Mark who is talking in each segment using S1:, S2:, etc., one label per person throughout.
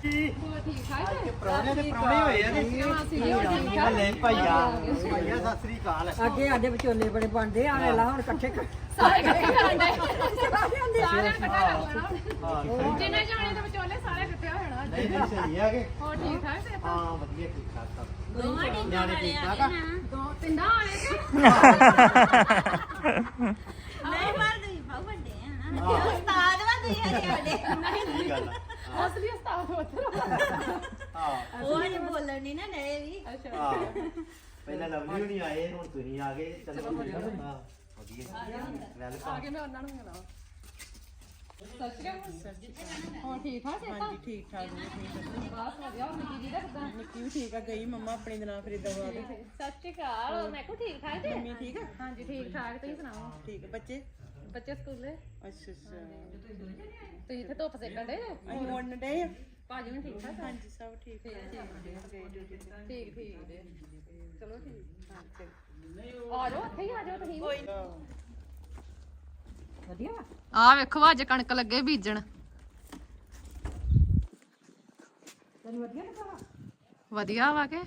S1: ਠੀਕ ਠਾਕ
S2: ਪ੍ਰਾਹੁਣੇ ਦੇ ਪ੍ਰਾਹੁਣੇ ਹੋਏ ਆ ਨੇ ਲੈ ਭਾਈਆ ਭਾਈਆ ਸਤਿ ਸ੍ਰੀ ਅਕਾਲ
S3: ਅੱਗੇ ਸਾਡੇ ਵਿਚੋਲੇ ਬੜੇ ਬਣਦੇ ਆ ਵੇਲਾ ਹੁਣ ਇਕੱਠੇ
S1: ਸਾਰੇ ਇਕੱਠੇ ਕਰਨ ਦੇ ਸਾਰਿਆਂ ਨੂੰ ਇਕੱਠਾ ਕਰ ਲੈਣਾ ਜਿੰਨੇ ਜਾਣੇ ਦੇ ਵਿਚੋਲੇ ਸਾਰੇ ਇਕੱਠੇ ਹੋ ਜਾਣਾ
S2: ਨਹੀਂ ਨਹੀਂ ਸਹੀ ਆ ਕਿ
S1: ਹੋਰ ਠੀਕ ਠਾਕ ਸੇ
S2: ਹਾਂ ਵਧੀਆ ਠੀਕ ਠਾਕ ਸਭ
S4: ਦੋਵਾਂ ਟੀਮਾਂ
S2: ਨਿਆਣੇ
S4: ਵਾਲੇ
S2: ਠੀਕ
S4: ਆ
S2: ਠਾਕ ਆ
S1: ਦੋ ਤਿੰਨਾਂ ਵਾਲੇ ਤੇ
S4: ਨਹੀਂ ਪਰ ਤੁਸੀਂ ਬਹੁਤ ਵੱਡੇ ਆ ਨਾ ਉਸਤਾਦ ਵਾ ਤੁਸੀਂ ਅਜੇ ਵੱਡੇ
S2: ਸਹੀ ਗੱਲ ਆ
S1: ਅਸਲੀ ਉਸਤਾਦ ਉੱਧਰ
S2: ਹਾਂ
S4: ਉਹ ਅਜੇ ਬੋਲਣ ਨਹੀਂ ਨਾ ਡਏ ਵੀ
S1: ਅੱਛਾ
S2: ਹਾਂ ਪਹਿਲਾਂ ਲਵਲੀ ਹੁਣੀ ਆਏ ਹੁਣ ਤੁਸੀਂ ਆ ਗਏ ਚਲੋ ਵਧੀਆ ਹਾਂ ਵਧੀਆ ਵੈਲਕਮ
S1: ਆ ਕੇ ਮੈਂ ਉਹਨਾਂ ਨੂੰ ਮਿਲਾਵਾਂ ਸਤਿ ਸ਼੍ਰੀ ਅਕਾਲ ਹੋਰ ਠੀਕ ਠਾਕ ਸੇ
S3: ਹਾਂਜੀ ਠੀਕ ਠਾਕ ਜੀ ਠੀਕ
S1: ਬਸ ਵਧੀਆ ਹੋਰ ਨਿੱਕੀ ਜੀ ਦਾ ਕਿਦਾਂ
S3: ਨਿੱਕੀ ਵੀ ਠੀਕ ਆ ਗਈ ਮੰਮਾ ਆਪਣੀ ਦੇ ਨਾਲ ਫਰੀਦਾਬਾਦ
S1: ਸਤਿ ਸ਼੍ਰੀ ਅਕਾਲ ਮੈਂ ਕੋ ਠੀਕ ਠਾਕ ਜੀ
S3: ਮੰਮੀ ਠੀਕ ਆ
S1: ਹਾਂਜੀ ਠੀਕ ਠਾਕ ਤੁਸੀਂ ਸੁਣਾਓ
S3: ਠੀਕ ਆ ਬੱਚੇ
S1: ਬੱਚੇ ਸਕੂਲੇ
S3: ਅੱਛਾ ਅੱਛਾ
S1: ਤੁਸੀਂ ਇੱਥੇ ਧੁੱਪ ਸੇਕਣ ਦੇ
S3: ਅਸੀਂ ਮੁੰਨ ਡੇ ਆ
S1: ਭਾਜੀ ਵੀ ਠੀਕ ਠਾਕ
S3: ਹਾਂਜੀ ਸਭ ਠੀਕ ਠਾਕ
S1: ਠੀਕ ਠੀਕ ਜੀ ਚਲੋ ਠੀਕ ਆ ਜਾਓ ਇੱਥੇ ਹੀ ਆ ਜਾਓ ਤੁਸੀਂ
S3: ਵਧੀਆ
S1: ਆ ਵੇਖੋ ਅੱਜ ਕਣਕ ਲੱਗੇ ਬੀਜਣ
S3: ਤੈਨੂੰ ਵਧੀਆ ਲੱਗਾ
S1: ਵਧੀਆ ਵਾ ਕੇ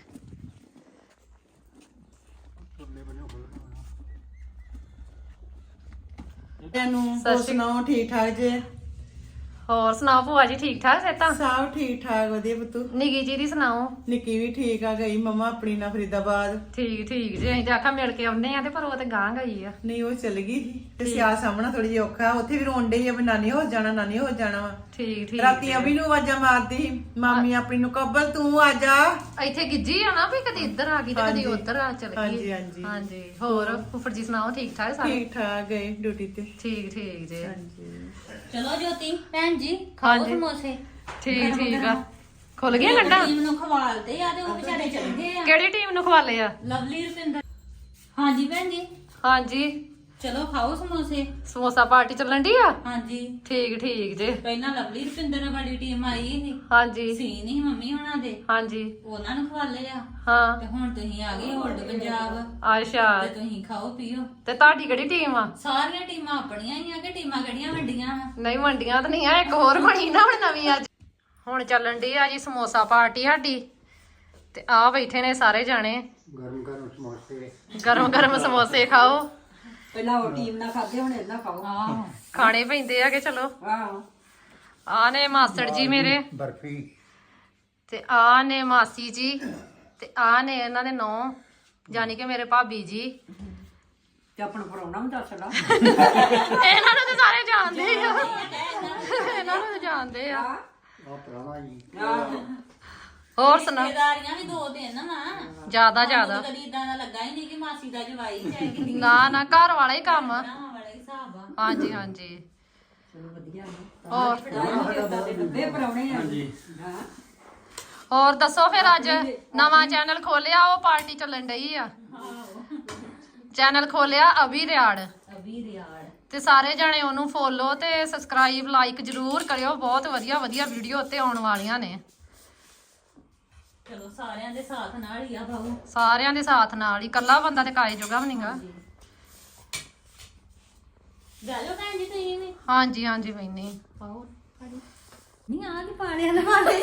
S3: ਤੈਨੂੰ
S1: ਸਤਿ ਸ਼੍ਰੀ
S3: ਸੁਣਾਓ ਠੀਕ ਠਾਕ ਜੇ
S1: ਹੋਰ ਸੁਣਾਓ ਭੂਆ ਜੀ ਠੀਕ ਠਾਕ ਸੇ ਤਾਂ
S3: ਸਭ ਠੀਕ ਠਾਕ ਵਧੀਆ ਪੁੱਤੂ
S1: ਨਿੱਕੀ ਜੀ ਦੀ ਸੁਣਾਓ
S3: ਨਿੱਕੀ ਵੀ ਠੀਕ ਆ ਗਈ ਮੰਮਾ ਆਪਣੀ ਨਾਲ ਫਰੀਦਾਬਾਦ
S1: ਠੀਕ ਠੀਕ ਜੀ ਅਸੀਂ ਤਾਂ ਆਖਾ ਮਿਲ ਕੇ ਆਉਨੇ ਆ ਤੇ ਪਰ ਉਹ ਤੇ ਗਾਂ ਗਈ ਆ
S3: ਨਹੀਂ ਉਹ ਚਲ ਗਈ ਤੇ ਸਿਆ ਸਾਹਮਣਾ ਥੋੜੀ ਜਿਹੀ ਔਖਾ ਉੱਥੇ ਵੀ ਰੋਣ ਡਈ ਆ ਵੀ ਨਾਨੀ ਹੋ ਜਾਣਾ ਨਾਨੀ ਹੋ ਜਾਣਾ ਵਾ
S1: ਠੀਕ ਠੀਕ
S3: ਰਾਤੀ ਅਭੀ ਨੂੰ ਆਵਾਜ਼ਾਂ ਮਾਰਦੀ ਸੀ, ਮਾਮੀ ਆਪਣੀ ਨੂੰ ਕਬਲ ਤੂੰ ਆ ਜਾ
S1: ਇੱਥੇ ਗਿੱਜੀ ਆ ਨਾ ਵੀ ਕਦੀ ਇੱਧਰ ਆ ਗਈ ਤੇ ਕਦੀ ਉੱਧਰ ਆ ਚਲ
S3: ਹਾਂਜੀ
S1: ਗਈ
S3: ਹਾਂਜੀ
S1: ਹਾਂਜੀ ਹੋਰ ਫੁੱਫੜ ਜੀ ਸੁਣਾਓ ਠੀਕ ਠਾਕ ਸਾਰੇ
S3: ਠੀਕ ਠਾਕ ਗਏ ਡਿਊਟੀ ਤੇ
S1: ਠੀਕ ਠੀਕ ਜੀ
S3: ਹਾਂਜੀ
S4: ਚਲੋ ਜੋਤੀ ਭੈਣ ਜੀ ਖਾਓ
S1: ਹਾਂਜੀ।
S4: ਸਮੋਸੇ
S1: ਠੀਕ ਠੀਕ ਆ ਖੁੱਲ ਗਿਆ ਗੰਡਾ
S4: ਟੀਮ ਨੂੰ ਖਵਾਲਦੇ ਆ ਤੇ ਉਹ ਵਿਚਾਰੇ ਚਲੇ ਗਏ ਆ
S1: ਕਿਹੜੀ ਟੀਮ ਨੂੰ ਖਵਾਲੇ ਆ
S4: ਲਵਲੀ ਰੁਪਿੰਦਰ ਹਾਂਜੀ ਭੈਣ ਜੀ
S1: ਹਾਂਜੀ
S4: ਚਲੋ ਖਾਓ ਸਮੋਸੇ
S1: ਸਮੋਸਾ ਪਾਰਟੀ ਚੱਲਣ ਦੀ ਆ
S4: ਹਾਂਜੀ
S1: ਠੀਕ ਠੀਕ ਜੀ
S4: ਪਹਿਲਾਂ ਲਵਲੀ ਰੁਪਿੰਦਰ ਵਾਲੀ ਟੀਮ ਆਈ ਸੀ
S1: ਹਾਂਜੀ
S4: ਸੀ ਨਹੀਂ ਮੰਮੀ ਹੋਣਾ ਦੇ
S1: ਹਾਂਜੀ
S4: ਉਹਨਾਂ ਨੂੰ ਖਵਾਲੇ ਆ
S1: ਹਾਂ
S4: ਤੇ ਹੁਣ ਤੁਸੀਂ ਆ ਗਏ ਹੋਲਡ ਪੰਜਾਬ
S1: ਅੱਛਾ
S4: ਤੇ ਤੁਸੀਂ ਖਾਓ ਪੀਓ
S1: ਤੇ ਤੁਹਾਡੀ ਕਿਹੜੀ ਟੀਮ ਆ
S4: ਸਾਰੀਆਂ ਟੀਮਾਂ ਆਪਣੀਆਂ ਹੀ ਆ ਕਿ ਟੀਮਾਂ ਕਿਹੜੀਆਂ ਵੱਡੀਆਂ ਵਾ
S1: ਨਹੀਂ ਵੰਡੀਆਂ ਤਾਂ ਨਹੀਂ ਆ ਇੱਕ ਹੋਰ ਬਣੀ ਨਾ ਹੁਣ ਨਵੀਂ ਅੱਜ ਹੁਣ ਚੱਲਣ ਦੀ ਆ ਜੀ ਸਮੋਸਾ ਪਾਰਟੀ ਸਾਡੀ ਤੇ ਆ ਬੈਠੇ ਨੇ ਸਾਰੇ ਜਾਣੇ ਗਰਮ ਗਰਮ ਸਮੋਸੇ ਖਾਓ
S3: ਪਹਿਲਾਂ ਉਹ ਟੀਮ ਨਾਲ ਖਾਦੇ ਹੁਣ ਇਹਨਾਂ ਖਾਓ
S1: ਖਾਣੇ ਪੈਂਦੇ ਆ ਕਿ ਚਲੋ
S3: ਆਹੋ
S1: ਆ ਨੇ ਮਾਸੜ ਜੀ ਮੇਰੇ
S2: ਬਰਫੀ
S1: ਤੇ ਆ ਨੇ ਮਾਸੀ ਜੀ ਤੇ ਆ ਨੇ ਇਹਨਾਂ ਦੇ ਨੌ ਯਾਨੀ ਕਿ ਮੇਰੇ ਭਾਬੀ ਜੀ
S3: ਤੇ ਆਪਣਾ ਪਰੌਣਾ ਵੀ ਦੱਸ ਲਾ
S1: ਇਹਨਾਂ ਨੂੰ ਤਾਂ ਸਾਰੇ ਜਾਣਦੇ ਆ ਇਹਨਾਂ ਨੂੰ ਤਾਂ ਜਾਣਦੇ ਆ
S2: ਆ ਪ੍ਰਾਹੁਣਾ ਜੀ
S1: ਹੋਰ ਸੁਣਾ
S4: ਰਿਸ਼ਤੇਦਾਰੀਆਂ ਵੀ ਦੋ ਦਿਨ ਵਾ
S1: ਜਿਆਦਾ
S4: ਸਾਨੂੰ ਤਾਂ ਕਦੀ ਇਦਾਂ ਦਾ ਲੱਗਾ ਹੀ ਨਹੀਂ ਕਿ ਮਾਸੀ ਦਾ ਜਵਾਈ ਹੈ ਕਿ
S1: ਨਾ ਨਾ ਘਰ ਵਾਲਾ ਹੀ ਕੰਮ ਆ।
S4: ਭਰਾਵਾਂ ਵਾਲਾ ਹੀ ਹਿਸਾਬ ਆ
S1: ਹਾਂਜੀ ਹਾਂਜੀ
S3: ਚਲੋ ਵਧੀਆ
S1: ਹੋਰ
S3: ਲੱਭੇ ਪਰੌਣੇ ਆ ਹਾਂਜੀ ਹਾਂ
S1: ਹੋਰ ਦੱਸੋ ਫਿਰ ਅੱਜ ਨਵਾਂ ਚੈਨਲ ਖੋਲਿਆ ਉਹ ਪਾਰਟੀ ਚੱਲਣ ਡਈ ਆ ਚੈਨਲ ਖੋਲਿਆ ਅਭੀ ਰਿਆੜ
S4: ਅਭੀ ਰਿਆੜ
S1: ਤੇ ਸਾਰੇ ਜਾਣੇ ਉਹਨੂੰ ਫੋਲੋ ਤੇ ਸਬਸਕ੍ਰਾਈਬ ਲਾਈਕ ਜਰੂਰ ਕਰਿਓ ਬਹੁਤ ਵਧੀਆ ਵਧੀਆ ਵੀਡੀਓ ਉੱਤੇ ਆਉਣ ਵਾਲੀਆਂ ਨੇ
S4: ਚਲੋ ਸਾਰਿਆਂ ਦੇ ਸਾਥ ਨਾਲ ਹੀ ਆ ਬਾਬੂ
S1: ਸਾਰਿਆਂ ਦੇ ਸਾਥ ਨਾਲ ਹੀ ਇਕੱਲਾ ਬੰਦਾ ਤੇ ਕਾਏ ਜੋਗਾ ਵੀ ਨਹੀਂਗਾ
S4: ਜਾਲੋ ਭੈਣ ਜੀ ਤੁਸੀਂ ਵੀ
S1: ਹਾਂਜੀ ਹਾਂਜੀ ਮੈਨੇ
S4: ਪਾਓ ਨਹੀਂ ਆ ਕੀ ਪਾਣਿਆ ਲਵਾਲੇ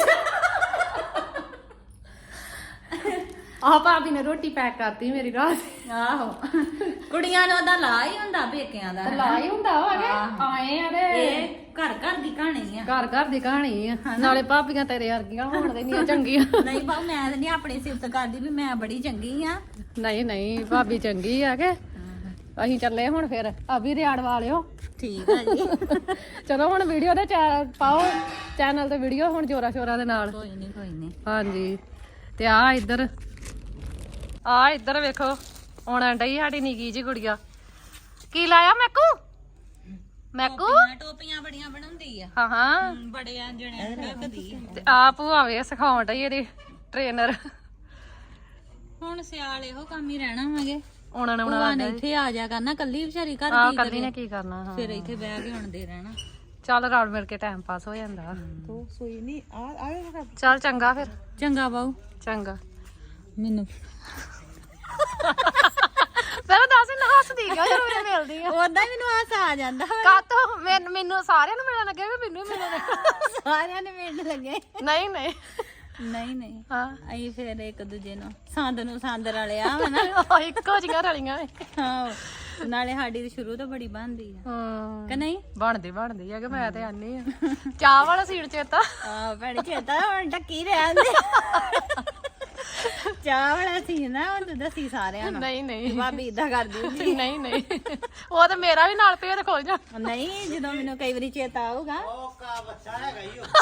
S1: ਆਹ ਭਾਬੀ ਨੇ ਰੋਟੀ ਪੈਕ ਕਰਤੀ ਮੇਰੀ ਰਾਤ
S4: ਆਹੋ ਕੁੜੀਆਂ ਨੂੰ ਉਹਦਾ ਲਾ ਹੀ ਹੁੰਦਾ ਪੇਕਿਆਂ ਦਾ
S1: ਲਾ ਹੀ ਹੁੰਦਾ ਹੋਗੇ ਆਏ ਆ ਤੇ
S4: ਇਹ ਘਰ ਘਰ ਦੀ ਕਹਾਣੀ ਆ
S1: ਘਰ ਘਰ ਦੀ ਕਹਾਣੀ ਆ ਨਾਲੇ ਭਾਬੀਆਂ ਤੇਰੇ ਵਰਗੀਆਂ ਹੋਣ ਦੇ ਨਹੀਂ ਚੰਗੀਆਂ
S4: ਨਹੀਂ ਬਾਬੂ ਮੈਂ ਤਾਂ ਨਹੀਂ ਆਪਣੀ ਸਿਫਤ ਕਰਦੀ ਵੀ ਮੈਂ ਬੜੀ ਚੰਗੀ ਆ
S1: ਨਹੀਂ ਨਹੀਂ ਭਾਬੀ ਚੰਗੀ ਆ ਕੇ ਅਸੀਂ ਚੱਲੇ ਹੁਣ ਫਿਰ ਅਭੀ ਰਿਆੜ ਵਾਲਿਓ
S4: ਠੀਕ ਆ ਜੀ
S1: ਚਲੋ ਹੁਣ ਵੀਡੀਓ ਦੇ ਪਾਓ ਚੈਨਲ ਤੇ ਵੀਡੀਓ ਹੁਣ ਜੋਰਾ ਸ਼ੋਰਾ ਦੇ ਨਾਲ
S4: ਕੋਈ ਨਹੀਂ
S1: ਹਾਂਜੀ ਤੇ ਆ ਇੱਧਰ ਵੇਖੋ ਆਉਣ ਡਈ ਸਾਡੀ ਨਿੱਕੀ ਜੀ ਗੁੜੀਆ ਕੀ ਲਾਇਆ ਮੈਕੂ
S4: ਟੋਪੀਆਂ ਬੜੀਆਂ ਬਣਾਉਂਦੀ ਆ
S1: ਹਾਂ ਹਾਂ
S4: ਬੜਿਆਂ ਜਣਿਆਂ ਨੂੰ ਰੱਖਦੀ
S1: ਤੇ ਆਪ ਭੂਆਵੇ ਸਿਖਾਉਣ ਡਈ ਇਹਦੀ ਟ੍ਰੇਨਰ
S4: ਹੁਣ ਸਿਆਲ ਇਹੋ ਕੰਮ ਹੀ ਰਹਿਣਾ ਵਾਂਗੇ
S1: ਉਹਨਾਂ ਨੇ
S4: ਭੂਆ ਨੇ ਇੱਥੇ ਆ ਜਾ ਕਰਨਾ ਕੱਲੀ ਵਿਚਾਰੀ ਘਰ
S1: ਆ
S4: ਕੀ
S1: ਕੱਲੀ
S4: ਕਰੇ
S1: ਨੇ ਕੀ ਕਰਨਾ ਹਾਂ
S4: ਫਿਰ ਇੱਥੇ ਬਹਿ ਕੇ ਹੁਣ ਦੇ ਰਹਿਣਾ
S1: ਚੱਲ ਰਲ ਮਿਲ ਕੇ ਟਾਈਮ ਪਾਸ ਹੋ ਜਾਂਦਾ
S3: ਤੂੰ ਸੋਈ ਨਹੀਂ ਆ
S1: ਚੱਲ ਚੰਗਾ ਫਿਰ
S4: ਚੰਗਾ ਬਾਊ
S1: ਚੰਗਾ
S4: ਮੈਨੂੰ
S1: ਪਹਿਲਾਂ ਦੱਸ ਨਾ ਹੱਸਦੀ ਕਿਉਂ ਜਦੋਂ ਮੈਨੂੰ ਮਿਲਦੀ ਆ
S4: ਉਦਾਂ ਹੀ ਮੈਨੂੰ ਹਾਸਾ ਆ ਜਾਂਦਾ ਵਾ।
S1: ਕਾਤੋਂ ਮੈਨੂੰ ਸਾਰਿਆਂ ਨੂੰ ਮਿਲਣ ਲੱਗਿਆ ਕਿ ਮੈਨੂੰ ਹੀ ਮਿਲਣ ਲੱਗੇ
S4: ਸਾਰਿਆਂ ਨੇ ਮਿਲਣ ਲੱਗੇ
S1: ਨਹੀਂ ਨਹੀਂ
S4: ਨਹੀਂ
S1: ਹਾਂ
S4: ਅਸੀਂ ਫਿਰ ਇੱਕ ਦੂਜੇ ਨੂੰ ਸੰਦ ਰਲਿਆ ਵਾ ਨਾ
S1: ਉਹ ਇੱਕੋ ਜਿਹੀਆਂ ਰਲੀਆਂ
S4: ਹਾਂ ਨਾਲੇ ਸਾਡੀ ਤਾਂ ਸ਼ੁਰੂ ਤੋਂ ਬੜੀ ਬਣਦੀ ਆ
S1: ਹਾਂ
S4: ਕਿ ਨਹੀਂ
S1: ਬਣਦੀ ਆ ਕਿ ਮੈਂ ਤੇ ਆਨੀ ਆ ਚਾਹ ਵਾਲਾ ਸੀਨ ਚੇਤਾ
S4: ਆ ਭੈਣੇ ਚੇਤਾ ਹੁਣ ਟੱਕੀ ਰਹਿੰਦੇ ਚਾਹ ਵਾਲਾ ਸੀ ਨਾ ਹੁਣ ਤੂੰ ਦੱਸੀ ਸਾਰਿਆਂ ਨੂੰ
S1: ਨਹੀਂ
S4: ਭਾਬੀ ਇਦਾਂ ਕਰਦੀ ਹੁੰਦੀ
S1: ਨਹੀਂ ਉਹ ਤੇ ਮੇਰਾ ਵੀ ਨਾਲ ਭੇਦ ਖੋਲ ਜਾ
S4: ਨਹੀਂ ਜਦੋਂ ਮੈਨੂੰ ਕਈ ਵਾਰੀ ਚੇਤਾ ਆਊਗਾ
S2: ਉਹ ਕਾ ਬੱਚਾ ਹੈਗਾ ਹੀ ਉਹ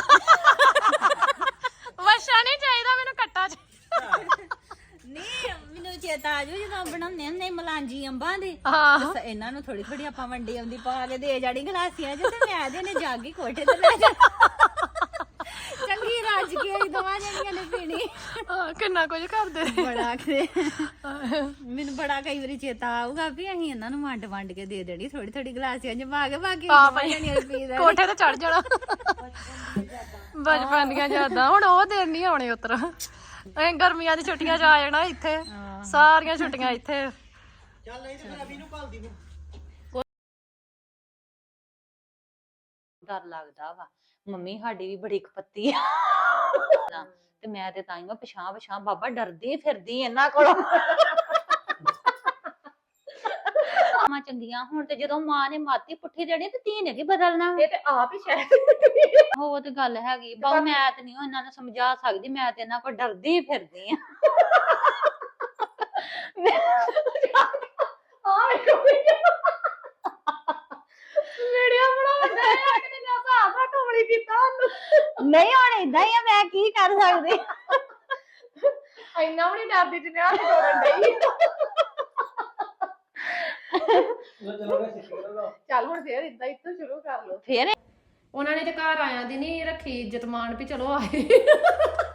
S1: ਵਸ਼ਾ ਨਹੀਂ ਚਾਹੀਦਾ ਮੈਨੂੰ ਕੱਟਾ ਚ
S4: ਨਹੀਂ ਮੈਨੂੰ ਚੇਤਾ ਆ ਜੂ ਜਦੋਂ ਬਣਾਉਂਦੇ ਹੁੰਦੇ ਮਲਾਂਜੀ ਅੰਬਾਂ ਦੀ
S1: ਹਾਂ
S4: ਬਸ ਇਹਨਾਂ ਨੂੰ ਥੋੜੀ ਥੋੜੀ ਆਪਾਂ ਵੰਡੀ ਆਉਂਦੀ ਪਾ ਕੇ ਦੇ ਜਾਣੀ ਗਲਾਸੀਆਂ ਚ ਤੇ ਮੈਂ ਇਹਦੇ ਨੇ ਜਾਗੀ ਕੋਠੇ ਤੇ ਲੈ ਜਾ ਚੰਗੀ ਰਾਜ ਕੇ ਅਸੀਂ ਦੋਵਾਂ ਜਣੀਆਂ ਨੇ ਪੀਣੀ
S1: ਕਿੰਨਾ ਕੁਝ ਕਰਦੇ
S4: ਬੜਾ ਕਰੇ ਮੈਨੂੰ ਬੜਾ ਕਈ ਵਾਰੀ ਚੇਤਾ ਆਊਗਾ ਵੀ ਅਸੀਂ ਇਹਨਾਂ ਨੂੰ ਵੰਡ ਕੇ ਦੇ ਦੇਣੀ ਥੋੜੀ ਥੋੜੀ ਗਲਾਸੀਆਂ ਚ ਪਾ ਕੇ ਬਾਕੀ ਦੋਵਾਂ ਜਣੀਆਂ ਨੇ ਪੀ ਲੈਣੀ
S1: ਕੋਠੇ ਤੇ ਚੜ ਜਾਣਾ ਬਚਪਨ ਦੀਆਂ ਯਾਦਾਂ ਹੁਣ ਉਹ ਦਿਨ ਨਹੀਂ ਆਉਣੇ ਉਤਰ ਅਸੀਂ ਗਰਮੀਆਂ ਦੀ ਛੁੱਟੀਆਂ ਚ ਆ ਜਾਣਾ ਇੱਥੇ ਸਾਰੀਆਂ ਛੁੱਟੀਆਂ ਇੱਥੇ
S2: ਚੱਲ ਨਹੀਂ ਤੇ ਫਿਰ ਅਭੀ ਨੂੰ ਘੱਲਦੀ ਨੂੰ
S5: ਡਰ ਲੱਗਦਾ ਵਾ ਮੰਮੀ ਸਾਡੀ ਵੀ ਬੜੀ ਖਪੱਤੀ ਆ ਤੇ ਮੈਂ ਤੇ ਤਾਈਓ ਪਛਾਂ ਬਾਬਾ ਡਰਦੀ ਫਿਰਦੀ ਇਹਨਾਂ ਕੋਲੋਂ ਮਾਂ ਚੰਗੀਆਂ ਹੁਣ ਤੇ ਜਦੋਂ ਮਾਂ ਨੇ ਮਾਤੀ ਪੁੱਠੀ ਦੇਣੀ ਤੇ ਧੀ ਨੇ ਕੀ ਬਦਲਣਾ
S1: ਇਹ ਤੇ ਆਪ ਹੀ ਸ਼ਾਇਦ
S5: ਉਹ ਤੇ ਗੱਲ ਹੈਗੀ ਬਾਬਾ ਮੈਂ ਤੇ ਨਹੀਂ ਇਹਨਾਂ ਨੂੰ ਸਮਝਾ ਸਕਦੀ ਮੈਂ ਤੇ ਇਹਨਾਂ ਕੋਲ ਡਰਦੀ ਫਿਰਦੀ ਆ
S1: ਵੀਡੀਓ ਬਣਾਉਂਦਾ ਹੈ ਕਿ ਨਾ ਸਾਫਾ ਕਮਲੀ ਕੀਤਾ ਉਹਨੂੰ
S5: ਨਹੀਂ ਹੁਣ ਏਦਾਂ ਹੀ ਆ ਮੈਂ ਕੀ ਕਰ ਸਕਦੀ
S1: ਇੰਨਾ ਵੀ ਨਹੀਂ ਡਰਦੀ ਜਿੰਨਾ ਹੱਥ ਤੋੜਨ ਡਈ ਚੱਲ ਹੁਣ ਫੇਰ ਇਦਾਂ ਇੱਥੋਂ ਸ਼ੁਰੂ ਕਰ ਲਓ
S5: ਫੇਰ
S1: ਉਹਨਾਂ ਨੇ ਤੇ ਘਰ ਆਇਆਂ ਦੀ ਨਹੀਂ ਰੱਖੀ ਇੱਜ਼ਤ ਮਾਣ ਵੀ ਚਲੋ ਆਏ